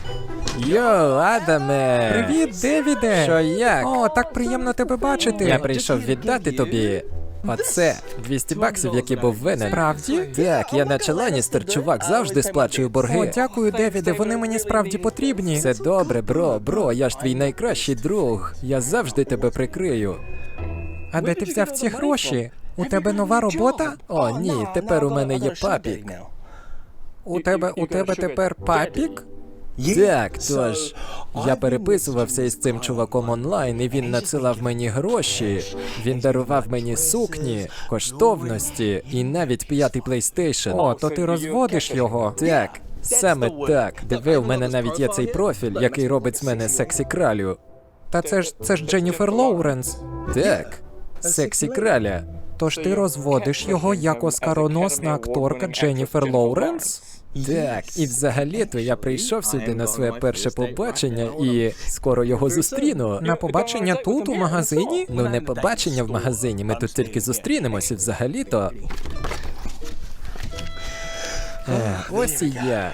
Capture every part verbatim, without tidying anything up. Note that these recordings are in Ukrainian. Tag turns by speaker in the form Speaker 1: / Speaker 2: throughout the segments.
Speaker 1: Йоу, Адаме!
Speaker 2: Привіт, Девіде!
Speaker 1: Що як?
Speaker 2: О, так приємно тебе бачити.
Speaker 1: Я прийшов віддати тобі оце двісті баксів, які був винен.
Speaker 2: Справді?
Speaker 1: Так, я наче Ланністер, чувак, завжди сплачую борги.
Speaker 2: О, дякую, Девіде, вони мені справді потрібні.
Speaker 1: Все добре, бро, бро, я ж твій найкращий друг. Я завжди тебе прикрию.
Speaker 2: А де ти взяв ці гроші? У тебе нова робота?
Speaker 1: О, ні, тепер у мене є папік.
Speaker 2: У тебе, у тебе тепер папік?
Speaker 1: Так, тож, я переписувався із цим чуваком онлайн, і він надсилав мені гроші, він дарував мені сукні, коштовності і навіть п'ятий PlayStation.
Speaker 2: О, то ти розводиш його.
Speaker 1: Так, саме так. Диви, у мене навіть є цей профіль, який робить з мене сексі кралю.
Speaker 2: Та це ж це ж Дженніфер Лоуренс.
Speaker 1: Так, сексі краля.
Speaker 2: Тож ти розводиш його як оскароносна акторка Дженніфер Лоуренс?
Speaker 1: Так, і взагалі-то я прийшов сюди на своє перше побачення і скоро його зустріну.
Speaker 2: На побачення тут, у магазині?
Speaker 1: Ну, не побачення в магазині, ми тут тільки зустрінемося взагалі-то. Е, ось і я.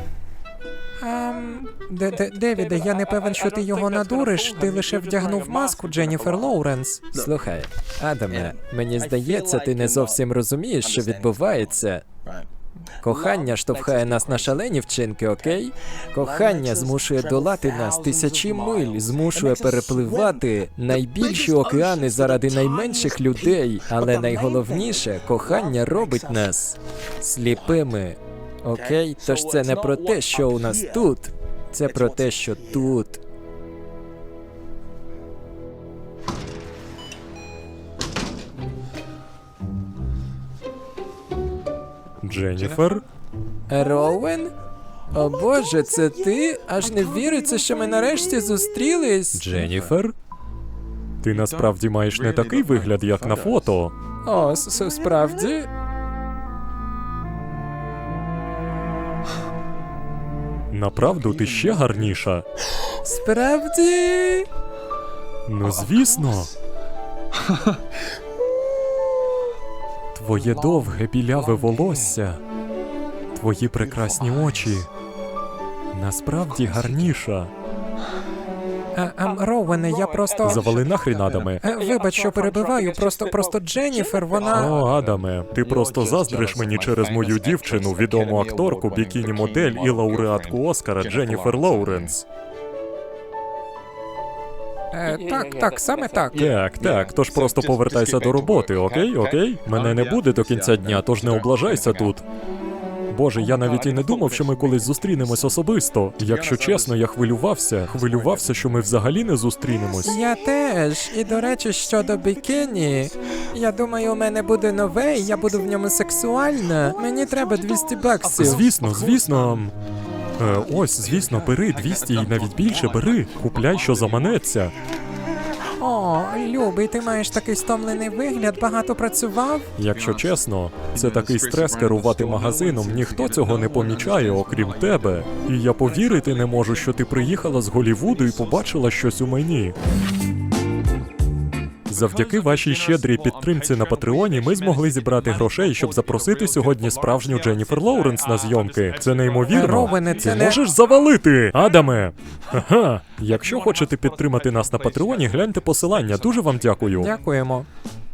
Speaker 2: Ем, де, де, Девіде, я не певен, що ти його надуриш, ти лише вдягнув маску Дженніфер Лоуренс.
Speaker 1: Слухай, Адаме, мені здається, ти не зовсім розумієш, що відбувається. Кохання штовхає нас на шалені вчинки, окей? Кохання змушує долати нас тисячі миль, змушує перепливати найбільші океани заради найменших людей. Але найголовніше, кохання робить нас сліпими. Окей? Тож це не про те, що у нас тут. Це про те, що тут.
Speaker 3: Дженніфер?
Speaker 1: Роуен? О боже, це ти? Аж не віриться, що ми нарешті зустрілись.
Speaker 3: Дженніфер? Ти насправді маєш не такий вигляд, як на фото.
Speaker 1: О, с- справді?
Speaker 3: Направду ти ще гарніша.
Speaker 1: Справді?
Speaker 3: Ну, звісно. Твоє довге біляве волосся, твої прекрасні очі. Насправді гарніша.
Speaker 2: Е, ем, Роуене, я просто...
Speaker 3: Завали нахрін, Адаме.
Speaker 2: Е, Вибач, що перебиваю, просто, просто Дженніфер, вона...
Speaker 3: О, Адаме, ти просто заздриш мені через мою дівчину, відому акторку, бікіні-модель і лауреатку Оскара Дженніфер Лоуренс.
Speaker 2: Е, так, так, саме так.
Speaker 3: Так, так, тож просто повертайся до роботи, окей, окей? Мене не буде до кінця дня, тож не облажайся тут. Боже, я навіть і не думав, що ми колись зустрінемось особисто. Якщо чесно, я хвилювався, хвилювався, що ми взагалі не зустрінемось.
Speaker 2: Я теж. І, до речі, щодо бікіні, я думаю, у мене буде нове, і я буду в ньому сексуальна. Мені треба двісті баксів.
Speaker 3: Звісно, звісно. Е, ось, звісно, бери двісті і навіть більше бери. Купляй, що заманеться.
Speaker 2: О, любий, ти маєш такий стомлений вигляд, багато працював?
Speaker 3: Якщо чесно, це такий стрес керувати магазином, ніхто цього не помічає, окрім тебе. І я повірити не можу, що ти приїхала з Голлівуду і побачила щось у мені. Завдяки вашій щедрій підтримці на Патреоні ми змогли зібрати грошей, щоб запросити сьогодні справжню Дженніфер Лоуренс на зйомки. Це неймовірно.
Speaker 2: Ровене, це
Speaker 3: Ти
Speaker 2: не...
Speaker 3: можеш завалити, Адаме! Ха-ха! Якщо хочете підтримати нас на Патреоні, гляньте посилання. Дуже вам дякую.
Speaker 2: Дякуємо.